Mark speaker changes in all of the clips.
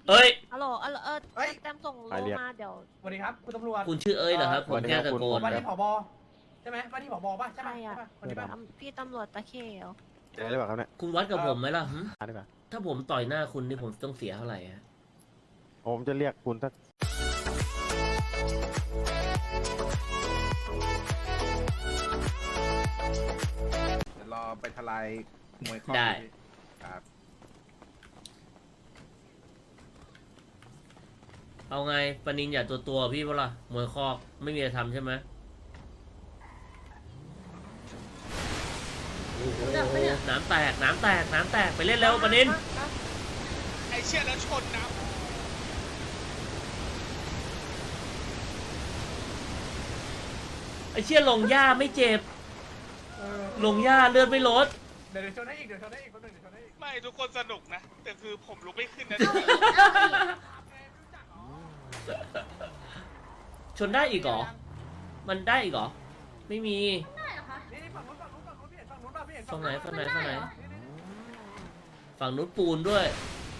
Speaker 1: เอ้ย
Speaker 2: ฮัลโหลแต้มส่งโลมาเดี๋ยว
Speaker 3: สวัสดีครับคุณตำรวจ
Speaker 1: คุณชื่อเอ้ยเหรอครับผมแค่ตะโกน
Speaker 3: ว่า
Speaker 1: ครั
Speaker 3: ที่
Speaker 1: บ
Speaker 3: ผบใช่ไหมว่าที่ผบป่ะใช่
Speaker 2: ใช่
Speaker 3: ป่ะ
Speaker 2: อ่ะ
Speaker 3: คนนี้ป่ะ
Speaker 2: พี่ตำรวจตะเขียว
Speaker 4: เจอหรือเปล่าครับเนี่ย
Speaker 1: คุณวัดกับผมไหมล่ะหึ
Speaker 4: มาดีกว่า
Speaker 1: ถ้าผมต่อยหน้าคุณนี่ผมต้องเสียเท่าไหร่ฮะ
Speaker 4: ผมจะเรียกคุณสัก
Speaker 5: เดี๋ยวรอไปทลายมวยข้อ
Speaker 1: ได้
Speaker 5: ครับ
Speaker 1: เอาไงปนินอย่าตัวพี่เปะล่ะมวยคอกไม่มีอะไรทำใช่ไหมโอ้โหน้ำแตกไปเล่นแล้วปนิน
Speaker 6: ไอเชี่ยแล้วชนนะ
Speaker 1: ไอ้เชี่ยลงหญ้าไม่เจ็บลงหญ้าเลือดไม่ลด
Speaker 3: เดี๋ยวชนได้อีกเดี๋ยวชนได้อีกคนหนึ่งเดี๋ยวชนได้อีก
Speaker 6: ไม่ทุกคนสนุกนะ แต่คือผมลุกไม่ขึ้นนะ
Speaker 1: ชนได้อีกเหรอมันได้อีกเหรอไม่มี
Speaker 3: นี่ฝั่งนู้นพี่เห็นฝั่งนู้นป่ะพี่เห็น
Speaker 1: ฝั่งไหน
Speaker 3: ฝั่ง
Speaker 1: ฝั่งนู้นปูนด้วย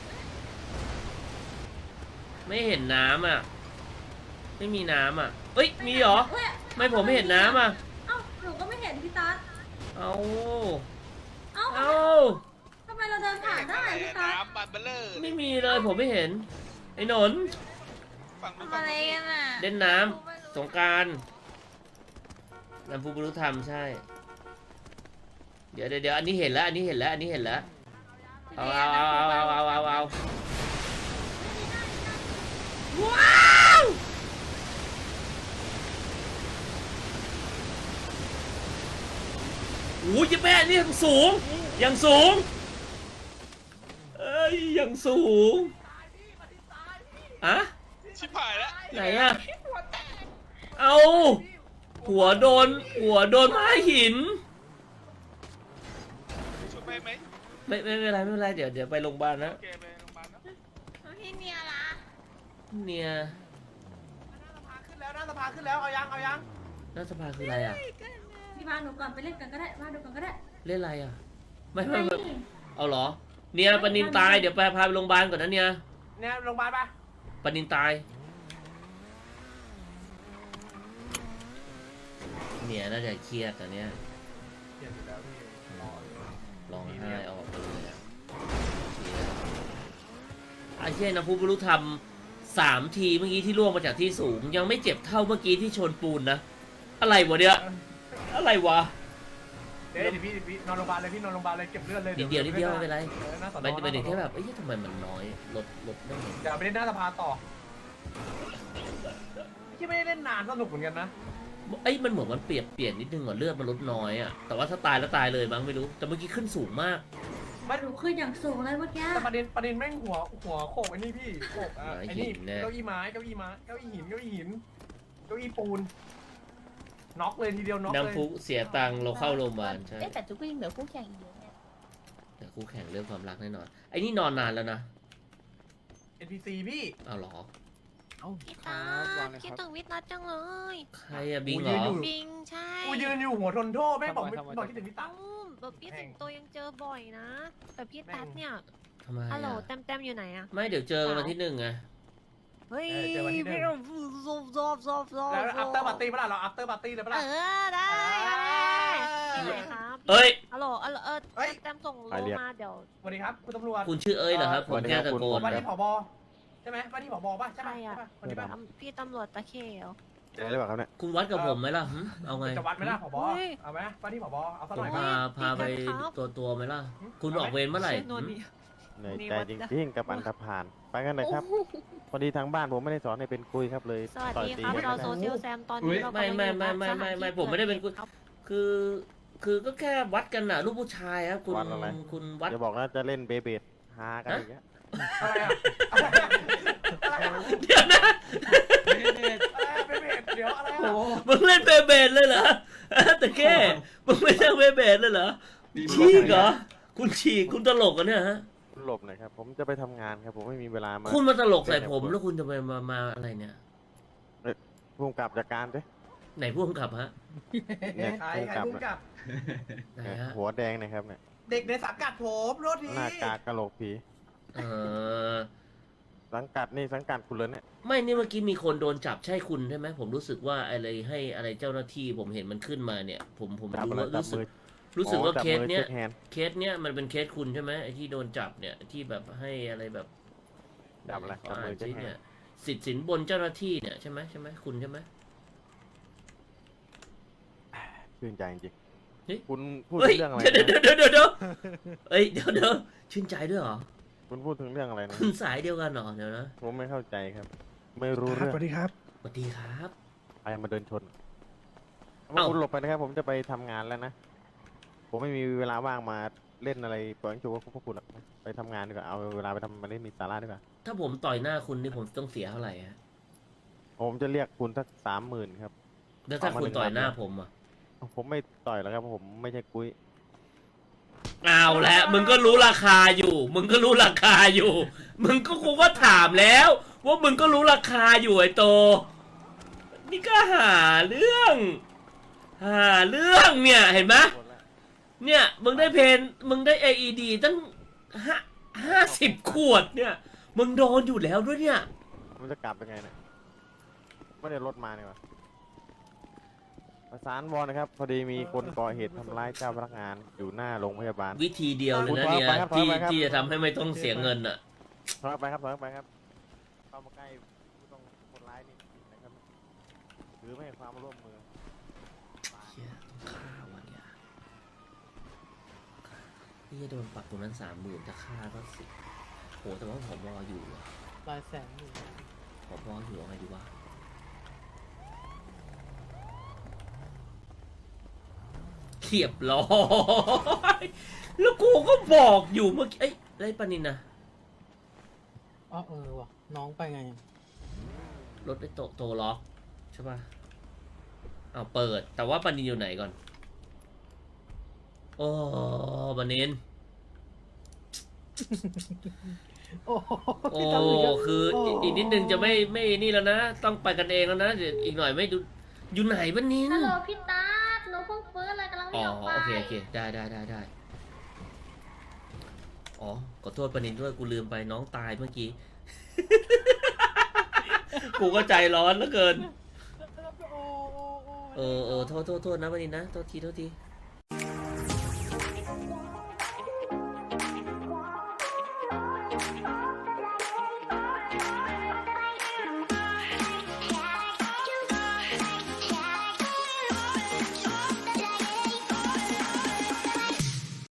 Speaker 1: ไม่เห็นน้ำอ่ะไม่มีน้ำอ่ะเอ้ยมีเหรอไม่ผมไม่เห็นน้ำอ่ะ
Speaker 7: เอ้าหนูก็ไม่เห็นพี่ตั๊ด
Speaker 1: เอา
Speaker 7: เอ้า
Speaker 1: เอา
Speaker 7: ทำไมเราเดินผ่านได้พี่ตั๊ด
Speaker 6: น้ำบันเบลเลอร์
Speaker 1: ไม่มีเลยผมไม่เห็นไอ้หนน
Speaker 6: ฝั่งนู้น
Speaker 2: ทำอะไรกันอ่ะ
Speaker 1: เล่นน้ำสงกรานต์น้ำพุบรุธรรมใช่ เดี๋ยวอันนี้เห็นแล้วเอาว้าวโอ้ยแม่นี่ยังสูงเอ้ยยังสูงอะ
Speaker 6: ชิบหายแล้ว
Speaker 1: ไหนอะเอาหัวโดนไม้หิน
Speaker 6: ชุดไปไหม
Speaker 1: ไม่เป็นไรเดี๋ยวไปโรงพยาบาลนะ
Speaker 6: โอเคไปโรงพยาบาลนะ
Speaker 2: พี่เนียล่ะ
Speaker 1: เนี่ย
Speaker 3: หน้าสภาขึ้นแล้วเอายัง
Speaker 1: รัฐสภาคืออะไรอ่ะ
Speaker 7: พี่พาหนูก่อนไปเล่นกันก็ได้มาดูกันก็ได้
Speaker 1: เล่นอะไรอ่ะไม่เอาเหรอเนี่ยปนินตายเดี๋ยวพาไปโรงพยาบาลก่อนนะเนี่ย
Speaker 3: เนี่ยโรงพยาบาลป่ะ
Speaker 1: ปนินตายเนี่ยน่าจะเครียดนะเนี่ย
Speaker 3: เห็นอยู่แล้วพี่
Speaker 1: ร้องไห้ออกไปเลยอะไอ้เช่นนะผู้บรรลุธรรม3 ทีเมื่อกี้ที่ล่วงมาจากที่สูงยังไม่เจ็บเท่าเมื่อกี้ที่ชนปูนนะอะไรวะเนี่ยอะไรวะ
Speaker 3: เดี๋ยวพี่นอนโรงพยาบาลเลยพี่นอนโรงพยาบาลเลยเก็บเลือดเลย
Speaker 1: นิดเดียวไม่เป็นไร
Speaker 3: หน้าสอน
Speaker 1: มัน
Speaker 3: อ
Speaker 1: เป็นแค่แบบเอ้ยทำไมมันน้อยลดไม่เห็น
Speaker 3: เดี๋ยวไปเล่นหน้าสภาต่อที่ไม่ได้เล่นนานสนุกเหมือนกันนะ
Speaker 1: เอ้ยมันเหมือนมันเปลี่ยนนิดนึงอ่ะเลือดมันลดน้อยอ่ะแต่ว่าถ้าตายแล้วตายเลยมั้งไม่รู้แต่เมื่อกี้ขึ้นสูงมาก
Speaker 7: หนูขึ้นอย่างสูงเลยเมื่อกี้
Speaker 3: แต่ประเด็นแม่งหัวโขกไอ้นี่พี่โขกไอ้นี่เก้าอี้ไม้เก้าอี้หินเก้าอี้ปูนน็อกเลยทีเดียวน็อกเลย
Speaker 1: น้ำพุเสียตังค์เราเข้าโรงพยาบาลใช่
Speaker 2: แต่จุกก็ยังเหลือคู่แข่งอีกเยอะเนี่ย
Speaker 1: แต่คู่แข่งเรื่องความรักแน่นอนไอ้นี่นอนนานแล้วนะ
Speaker 3: NPC พี่
Speaker 1: เอาเหรอ
Speaker 2: พี่ตาคิดถึงวิทย์นัดจังเลย
Speaker 1: ใครอะบิงเหรอ
Speaker 2: บิงใช่
Speaker 3: กูยืนอยู่หัวทนโทษแม่งบอกคิดถึงพี่ตั๊
Speaker 2: เอ้าก แบบพี่สิงโตยังเจอบ่อยนะ แต่พี่ตัดเนี่ย
Speaker 1: ทำไม
Speaker 2: ฮัลโหล
Speaker 1: อะ
Speaker 2: แต้มอยู่ไหนอะ
Speaker 1: ไม่เดี๋ยวเจอวันที่1ไง
Speaker 2: เฮ้ย
Speaker 3: เจอวันที่หนึ่ง
Speaker 2: ไม่ต้องซบ
Speaker 3: แล้วอัปเตอร์ปาร์ตี้ปะล่ะเราอัปเตอร์ปาร์ตี้เลยปะล่ะ
Speaker 2: ได้ที่ไหนครับ
Speaker 1: เอ้ย
Speaker 2: ฮัลโหลแต้มส่งโลมาเดี๋ยว
Speaker 3: สวัสดีครับคุณตำรวจ
Speaker 1: คุณชื่อเอ้ยเหรอครับผมแค่ตะโกน
Speaker 3: ว่า
Speaker 1: ครั
Speaker 3: ที่
Speaker 1: บ
Speaker 3: ผบใช่ไหมว่าที่ผบป่ะใช่
Speaker 2: ใช่
Speaker 3: ป่ะ
Speaker 2: อะ
Speaker 3: คนนี้ป่ะ
Speaker 2: พี่ตำรวจตะเขียว
Speaker 4: เจอหรือเปล่าครับเนี่ย
Speaker 1: คุณวัดกับผมไหมล่ะหึเอาไง
Speaker 3: จะวัดไหมล่ะผบ
Speaker 2: เฮ้ย
Speaker 3: เอาไหมว่าที่ผบเอาสัก
Speaker 1: ผ
Speaker 3: หน่
Speaker 1: ม
Speaker 3: อยไหม
Speaker 1: พาไปตัวไหมล่ะ คุณออกเวรเมื่อไหร่หึ
Speaker 4: เหนื่อยใจจริงๆกับอันธพาลไปกันเลยครับ พอดีทางบ้านผมไม่ได้สอนให้เป็นคุยครับเลย
Speaker 2: สวัส
Speaker 4: ต่อย
Speaker 2: ดี
Speaker 4: ตี
Speaker 2: ครับ
Speaker 4: กัน
Speaker 2: เรา
Speaker 4: นะ
Speaker 2: โซเชียลแซมตอนนี้เรา
Speaker 1: ไม่ผมไม่ได้เป็นคุณคือก็แค่วัดกันน่ะลูกผู้ชายครับคุณวัด
Speaker 4: อย่าบอกนะจะเล่นเบเบดฮากันอย่างเงี้ย
Speaker 3: อะไรอ่ะอะไรอ่ะ
Speaker 1: เดี๋ยวนะ
Speaker 3: เดี๋ยวอะไรอ่ะ
Speaker 1: มึงเล่นเบเบดเลยเหรอแต่แค่มึงไม่ใช่เบเบดเลยเหรอฉีกเหรอคุณฉีกคุณตลกกันเนี่ยฮะ
Speaker 4: คุณหลบหน่อยครับ ผมจะไปทำงานครับ ผมไม่มีเวลามา
Speaker 1: คุณมาตลกใส่ผมแล้วคุณจะไปมาอะไรเนี่ย
Speaker 4: พุ่งกลับจากการด้วย
Speaker 1: ไหนผู้กำกับฮะ
Speaker 4: เนี่ย
Speaker 3: ใคร
Speaker 4: พุ่ง
Speaker 3: พุ่ง
Speaker 4: ก
Speaker 3: ก
Speaker 4: ลั
Speaker 3: ลั
Speaker 4: บบ
Speaker 1: ไหน
Speaker 4: เนี่ย
Speaker 1: ฮะ
Speaker 4: หัวแดงนะครับเนี่ย
Speaker 3: เด็กในสังกัดผมโทษที
Speaker 4: หน้ากากกะโหลกผี
Speaker 1: เออ
Speaker 4: สังกัดนี่สังกัดคุณเลยเนี่ย
Speaker 1: ไม่นี่เมื่อกี้มีคนโดนจับใช่คุณใช่ไหมผมรู้สึกว่าอะไรให้อะไรเจ้าหน้าที่ผมเห็นมันขึ้นมาเนี่ย ผม
Speaker 4: จับ
Speaker 1: รู้
Speaker 4: อะไร
Speaker 1: ว่า
Speaker 4: จับ
Speaker 1: รู้สึก
Speaker 4: มือ
Speaker 1: ว่า
Speaker 4: จับ
Speaker 1: เคส
Speaker 4: มือ
Speaker 1: เนี้ย
Speaker 4: ช็คแฮนด์
Speaker 1: เคสเนี้ยมันเป็นเคสคุณใช่ไหมไอ้ที่โดนจับเนี่ยที่แบบให้อะไรแบบ
Speaker 4: จับอะไรจับมือ
Speaker 1: สิ
Speaker 4: เช็คแฮนด์
Speaker 1: เนี่ยสิทธิ์สินบนเจ้าหน้าที่เนี่ยใช่ไหมคุณใช่ไหม
Speaker 4: ชื่นใจจริง
Speaker 1: เฮ้ย
Speaker 4: ๆคุณพูด
Speaker 1: เฮ้
Speaker 4: ถึ
Speaker 1: ย
Speaker 4: งเรื่องอะไร
Speaker 1: เดี๋ยว
Speaker 4: นะ
Speaker 1: เดี๋ยวเอ้ยเดี๋ยวชื่นใจด้วยเหรอ
Speaker 4: คุณพูดถึงเรื่องอะไรนะ
Speaker 1: คุณสายเดียวกันเหรอเดี๋ยวนะ
Speaker 4: ผมไม่เข้าใจครับ ไม่รู้
Speaker 5: ครับ
Speaker 4: เรื่อง
Speaker 5: สวัสดีครับ
Speaker 1: สวัสดีครับ
Speaker 4: ใครมาเดินชน
Speaker 1: เอ้า
Speaker 4: คุณหลบไปนะครับ ผมจะไปทำงานแล้วนะ ผมไม่มีเวลาว่างมาเล่นอะไรปล่อยให้จูว่าพวกคุณหรอกไปทำงานดีกว่า เอาเวลาไปทำมาเล่นมีสาระดีกว่า
Speaker 1: ถ้าผมต่อยหน้าคุณนี่ผมต้องเสียเท่าไหร่ฮะ
Speaker 4: ผมจะเรียกคุณสัก30,000ครับ
Speaker 1: แล้วถ้าคุณต่อยหน้าผมอ่ะ
Speaker 4: ผมไม่ต่อยแล้วครับเพราะผมไม่ใช่กุ้ย
Speaker 1: เอาละมึงก็รู้ราคาอยู่ มึงก็รู้ราคาอยู่ มึงก็กูก็ถามแล้ว ว่ามึงก็รู้ราคาอยู่ไอ้โต นี่ก็หาเรื่องเนี่ยเห็นไหมเนี่ยมึงได้มึงได้ AED ตั้ง50 ขวดเนี่ย มึงโดนอยู่แล้วด้วยเนี่ย
Speaker 4: มันจะกลับยังไงเนี่ยไม่ได้รถมาเนี่ยวะประสานวอนะครับ พอดีมีคนก่อเหตุทำร้ายเจ้าพนักงานอยู่หน้าโรงพยาบาล
Speaker 1: วิธีเดียวเลยนะเนี่ย
Speaker 4: ถอยไปครับ
Speaker 1: ที่
Speaker 4: ถอยไปครับ
Speaker 1: ที่จะทำให้ไม่ต้องเสียเงินอ่ะ
Speaker 4: ถอยออกไปครับถอยออกไปครับ เข้ามาใกล้ผู้ต้องคนร้ายนี่ผิดนะครับหรือไม่ให้ความร่วมมือ
Speaker 1: เชี่ยต้องฆ่าวันเนี่ยนี่จะโดนปรับตรงนั้น30,000จะฆ่าก็สิโหแต่ว่าผบอยู่อะ
Speaker 8: หลายแสนอยู่
Speaker 1: ผบอยู่เอาไงดีวะเรียบร้อยแล้วกูก็บอกอยู่เมื่อกี้เอ้ยไรปานินนะ
Speaker 8: อ๋อว่ะ น้องไปไง
Speaker 1: รถได้โตล็อกใช่ป่ะเอาเปิด แต่ว่าปานินอยู่ไหนก่อน โอ้ปานิน
Speaker 8: โอ้โห
Speaker 1: โอ้
Speaker 8: พี่ตั้มกแล้ว
Speaker 1: คือ
Speaker 8: โ
Speaker 1: อีกนิดนึงจะไม่นี่แล้วนะ ต้องไปกันเองแล้วนะเดี๋ยวอีกหน่อยไม่ดูอยู่ไหนปานิน
Speaker 7: ฮัลโหลพี่ตาหนูเพิ่งฟื้นเลยกำลัง
Speaker 1: อ๋
Speaker 7: วิ่
Speaker 1: อง
Speaker 7: ออกไป
Speaker 1: โอเคได้อ๋อขอโทษปานินด้วยกูลืมไปน้องตายเมื่อกี้ กูก็ใจร้อนเหลือเกิน
Speaker 8: โอ้
Speaker 1: โทษนะปานินนะโทษที